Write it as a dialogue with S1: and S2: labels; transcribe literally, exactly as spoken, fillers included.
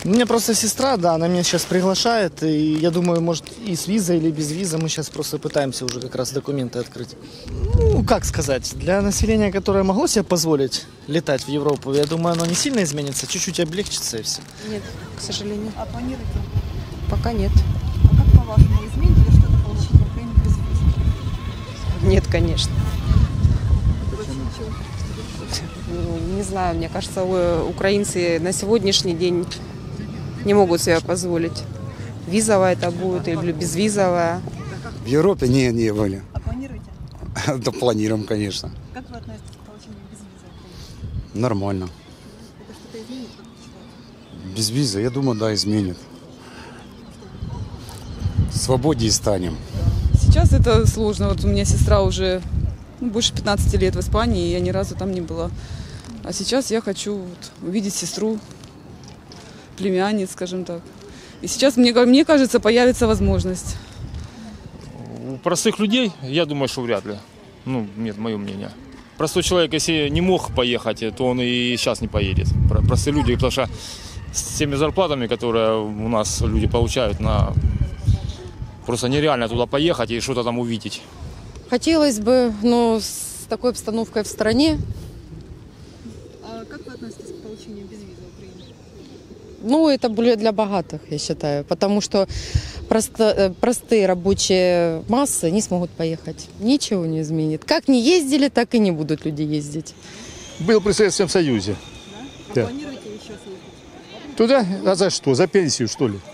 S1: У меня просто сестра, да, она меня сейчас приглашает, и я думаю, может, и с визой или без визы мы сейчас просто пытаемся уже как раз документы открыть. Ну, как сказать, для населения, которое могло себе позволить летать в Европу, я думаю, оно не сильно изменится, чуть-чуть облегчится и все.
S2: Нет, к сожалению.
S3: А планируете?
S2: Пока нет.
S3: А как по-вашему, изменит ли что-то получить в Украине без виз?
S2: Нет, конечно. Ну, не знаю, мне кажется, у- украинцы на сегодняшний день не могут себе позволить. Визовая это будет или безвизовая.
S4: В Европе не, не были.
S3: А планируете?
S4: Да планируем, конечно.
S3: Как вы относитесь к получению безвиза в Украине?
S4: Нормально.
S3: Это что-то изменит, как вы считаете?
S4: Без визы, я думаю, да, изменит. Свободнее станем.
S5: Сейчас это сложно. Вот у меня сестра уже ну, больше пятнадцати лет в Испании, и я ни разу там не была. А сейчас я хочу вот, увидеть сестру, племянниц, скажем так. И сейчас, мне, мне кажется, появится возможность.
S6: У простых людей, я думаю, что вряд ли. Ну, нет, мое мнение. Простой человек, если не мог поехать, то он и сейчас не поедет. Простые люди, потому что с теми зарплатами, которые у нас люди получают, на... просто нереально туда поехать и что-то там увидеть.
S7: Хотелось бы, но с такой обстановкой в стране,
S3: А как вы относитесь к получению безвиза в Украине?
S7: ну, это более для богатых, я считаю, потому что просто, э, простые рабочие массы не смогут поехать. Ничего не изменит. Как не ездили, так и не будут люди ездить.
S8: Был при Советском Союзе.
S3: Да? А
S8: Да.
S3: планируете еще съездить?
S8: Туда? А за что? За пенсию, что ли?